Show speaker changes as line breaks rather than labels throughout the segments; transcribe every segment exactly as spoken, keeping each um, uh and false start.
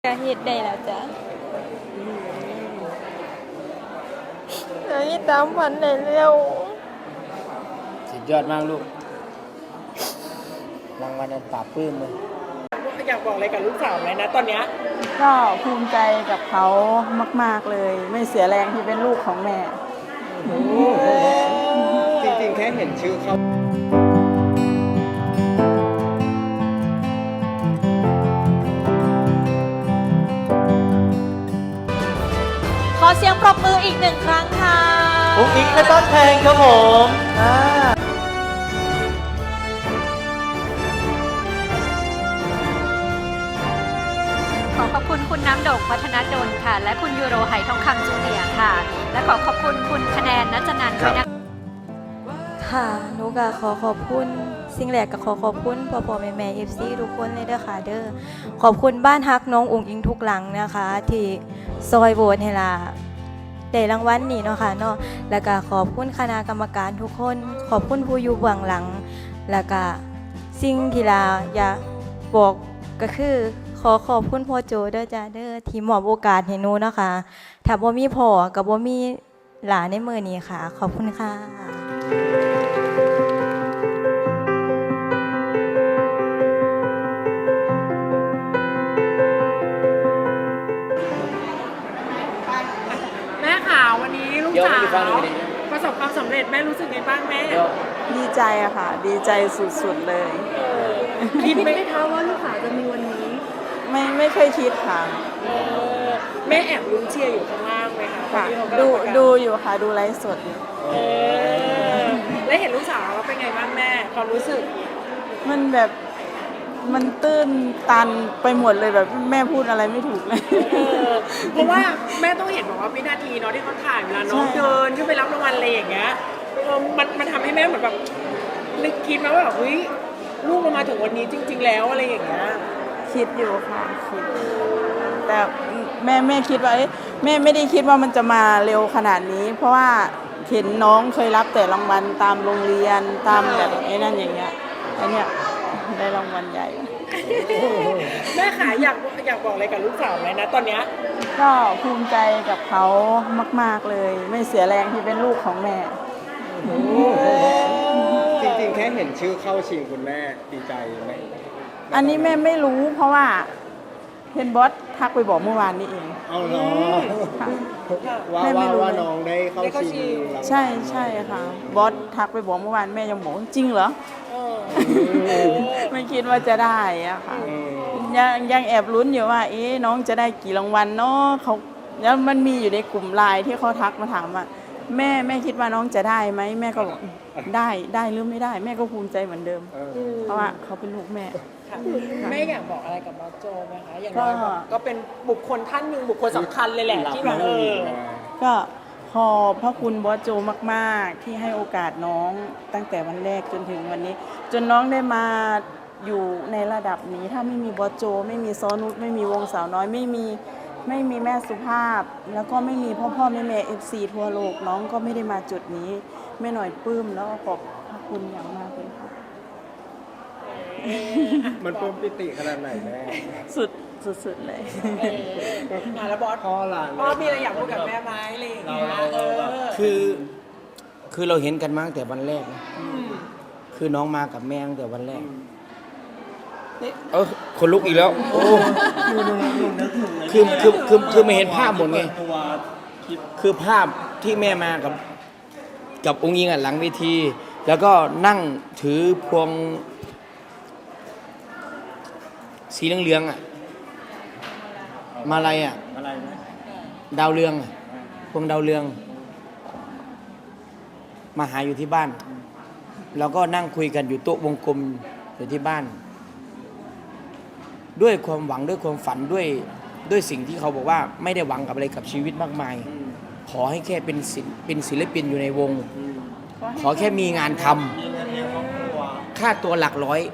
ก็เฮ็ดได้แล้วจ้ะอันนี้ตามฝันได้เร็ว
สุดยอดมากลูกรางวัลนั้นปราบปลื้มเลย
อยากบอกอะไรกับลูกสาวไหมนะตอนเนี้ย
ก็ภูมิใจกับเขามากๆเลย ไม่เสียแรงที่เป็นลูกของแม่
จริงๆแค่เห็นชื่อเขา
ขอเสียงปรบมืออีกหนึ่งครั้งค่ะ
อุ้งอิงและต้นเพลงครับผม
ขอขอบคุณคุณน้ำโด่งพัฒนดลค่ะและคุณยูโรไหทองคำจูเนียร์ค่ะและขอขอบคุณคุณคะแนนนัจนันท์ด้วยนะ
ค่ะหนูก็ขอขอบคุณสิ่งแรกก็ขอขอบคุณพ่อพ่อแม่แม่เอฟซีทุกคนเลยเด้อค่ะเด้อขอบคุณบ้านฮักน้องอุ๋งอิงทุกหลังนะคะที่ซอยโหวตให้ล่ะได้รางวัลนี่เนาะค่ะเนาะแล้วก็ขอบคุณคณะกรรมการทุกคนขอบคุณผู้อยู่เบื้องหลังแล้วก็สิ่งที่ลาอยากบอกก็คือขอขอบคุณพ่อโจเด้อจ้าเด้อที่มอบโอกาสให้หนูเนาะค่ะถ้าบ่มีพ่อกับบ่มีหลานในมื้อนี้ค่ะขอบคุณค่ะ
แม่ข่าววันนี้ลูกสาวประสบความสำเร็จแม่รู้สึกไงบ้างแม่
ดีใจอะค่ะดีใจสุดๆเลย
คิดไหมคะว่าลูกสาวจะมีวันนี้
ไม่ไม่เคยคิดค่ะ
แม่แอบลุ้นเชียร์อยู่ข้างล่างไหมคะ
ค่ะดูดูอยู่ค่ะดูไลฟ์สด
แล้วเห็นลูกสาวเราเป็นไงบ้างแม่ความรู้สึก
มันแบบมันตื้นตันไปหมดเลยแบบแม่พูดอะไรไม่ถูกเลย
เพราะว่าแม่ต้องเห็นบอกว่าวินาทีเนาะที่เขาถ่ายเวลาน้องเดินขึ้นไปรับรางวัลอะไรอย่างเงี้ยมันมันทำให้แม่เหมือนแบบนึกคิดมาว่าแบบเฮ้ยลูกเรามาถึงวันนี้จริงๆแล้วอะไรอย่างเงี้ย
คิดอยู่ค่ะคิดแต่แม่แม่คิดว่าแม่ไม่ได้คิดว่ามันจะมาเร็วขนาดนี้เพราะว่าเห็นน้องเคยรับแต่รางวัลตามโรงเรียนตามแบบไอ้นั่นอย่างเงี้ยไอ้เนี้ยได้รางวัลใหญ่
แม่ขาอยากอยากบอกอะไรกับลูกสาวไหมนะตอนเนี้ย
ก็ภูมิใจกับเขามากๆเลยไม่เสียแรงที่เป็นลูกของแม่
จริงๆแค่เห็นชื่อเข้าชิงคุณแม่ดีใจไหม
อันนี้แม่ไม่รู้เพราะว่าเห็นบอสทักไปบอกเมื่อวานนี้เอง
เอาเหรอว่าว่าว่าน้องได้เข้าชิง
ใช่ใช่ค่ะบอสทักไปบอกเมื่อวานแม่ยังบอกจริงเหรอไม่คิดว่าจะได้อะค่ะยังยังแอบลุ้นอยู่ว่าเอ๊ะน้องจะได้กี่รางวัลเนาะเขาแล้วมันมีอยู่ในกลุ่มไลน์ที่เขาทักมาถามว่าแม่แม่คิดว่าน้องจะได้ไหมแม่ก็บอกได้ได้หรือไม่ได้แม่ก็ภูมิใจเหมือนเดิมเพราะว่าเขาเป็นลูกแม่
แม่อยากบอกอะไรกับบอสโจไหมคะอย่างน้อยก็เป็นบุคคลท่านหนึ่งบุคคลสำคัญเลยแหละที่แบบเออ
ก็ขอบพระคุณบอสโจมากๆที่ให้โอกาสน้องตั้งแต่วันแรกจนถึงวันนี้จนน้องได้มาอยู่ในระดับนี้ถ้าไม่มีบอสโจไม่มีซ้อนุชไม่มีวงสาวน้อยไม่มีไม่มีแม่สุภาพแล้วก็ไม่มีพ่อพ่อแม่แม่เอฟซีทั่วโลกน้องก็ไม่ได้มาจุดนี้แม่หน่อยปลื้มแล้วก็ขอบพระคุณอย่างมากเลยค่ะ
มันปลื้มปิติขนาดไหนแม่
สุดสุดๆเลย
แล้วบอส
พ่อหลาน
พ่อมีอะไรอยากพูดกับแม่ไหมอะไรอย่างเงี้ย
คือคือเราเห็นกันมาตั้งแต่วันแรกนะคือน้องมากับแม่ตั้งแต่วันแรกเออคนลุกอีกแล้วโอ้คือคือคือคือไม่เห็นภาพหมดไงคือภาพที่แม่มากับกับองค์ยิงอ่ะหลังเวทีแล้วก็นั่งถือพวงสีเหลืองๆอ่ะมาลัยอ่ะดาวเรืองพวงดาวเรืองมาหาอยู่ที่บ้านแล้วก็นั่งคุยกันอยู่โต๊ะวงกลมอยู่ที่บ้านด้วยความหวังด้วยความฝันด้วยด้วยสิ่งที่เขาบอกว่าไม่ได้หวังกับอะไรกับชีวิตมากมายขอให้แค่เป็นศิลป์เป็นศิลปินอยู่ในวงขอแค่มีงานทำค่าตัวหลักร้อย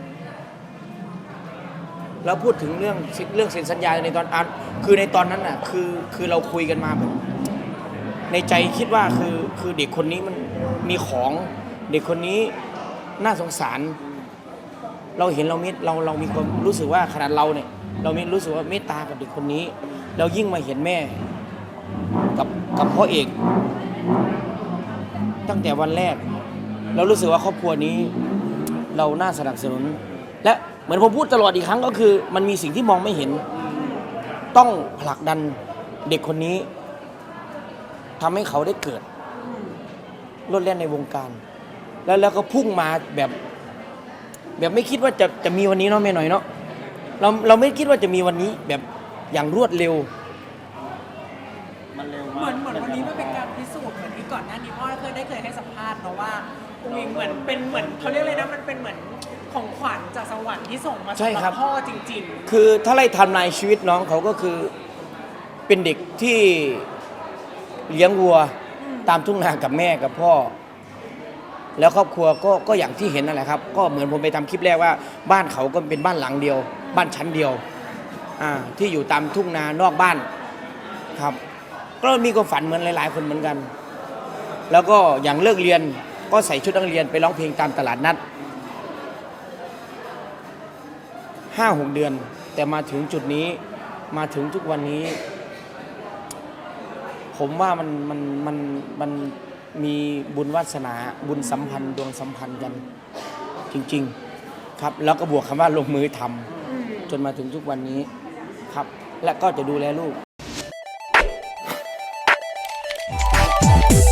แล้วพูดถึงเรื่องเรื่องเซ็นสัญญาในตอนคือในตอนนั้นน่ะคือคือเราคุยกันมาแบบในใจคิดว่าคือคือเด็กคนนี้มันมีของเด็กคนนี้น่าสงสารเราเห็นเรามิดเราเรามีความรู้สึกว่าขนาดเราเนี่ยเรามีรู้สึกว่าเมตตากับเด็กคนนี้เรายิ่งมาเห็นแม่กับกับพ่อเอกตั้งแต่วันแรกเรารู้สึกว่าครอบครัวนี้เราน่าสนับสนุนและเหมือนผมพูดตลอดอีกครั้งก็คือมันมีสิ่งที่มองไม่เห็นต้องผลักดันเด็กคนนี้ทำให้เขาได้เกิดโลดแล่นในวงการแล้วแล้วก็พุ่งมาแบบแบบไม่คิดว่าจะจะมีวันนี้เนาะแม่หน่อยเนาะเราเราไม่คิดว่าจะมีวันนี้แบบอย่างรวดเร็ว
มันเร็ว
เห
มา
มือก นเหมือนวันนี้มันเป็นการพิสูจน์เหมือนที่ก่อนหน้านี้พ่อเคยได้เคยให้สัมภาษณ์เนาะว่าอุ้งอิงเหมือนเป็นเหมือนเขาเรียกอะไรนะมันเป็นเหมือนของขวัญจากสวรรค์ที่ส่งมา
ใช่
สำห
ครั
รับ บพ่อจริง
คือถ้าไล่ไทำลายชีวิตน้องเขาก็คือเป็นเด็กที่เลี้ยงวัวตามทุ่งนากับแม่กับพ่อ แล้วครอบครัวก็ก็อย่างที่เห็นนั่นแหละครับก็เหมือนผมไปทำคลิปแรกว่าบ้านเขาก็เป็นบ้านหลังเดียว บ้านชั้นเดียวอ่าที่อยู่ตามทุ่งนานอกบ้านครับ ก็มีความฝันเหมือนหลาย ๆ คนเหมือนกัน แล้วก็อย่างเลิกเรียนก็ใส่ชุดนักเรียนไปร้องเพลงตามตลาดนัดห้าหกเดือนแต่มาถึงจุดนี้มาถึงทุกวันนี้ ผมว่ามันมันมันมันมีบุญวาสนาบุญสัมพันธ์ดวงสัมพันธ์กันจริงๆครับแล้วก็บวกคำว่าลงมือทำจนมาถึงทุกวันนี้ครับและก็จะดูแลลูก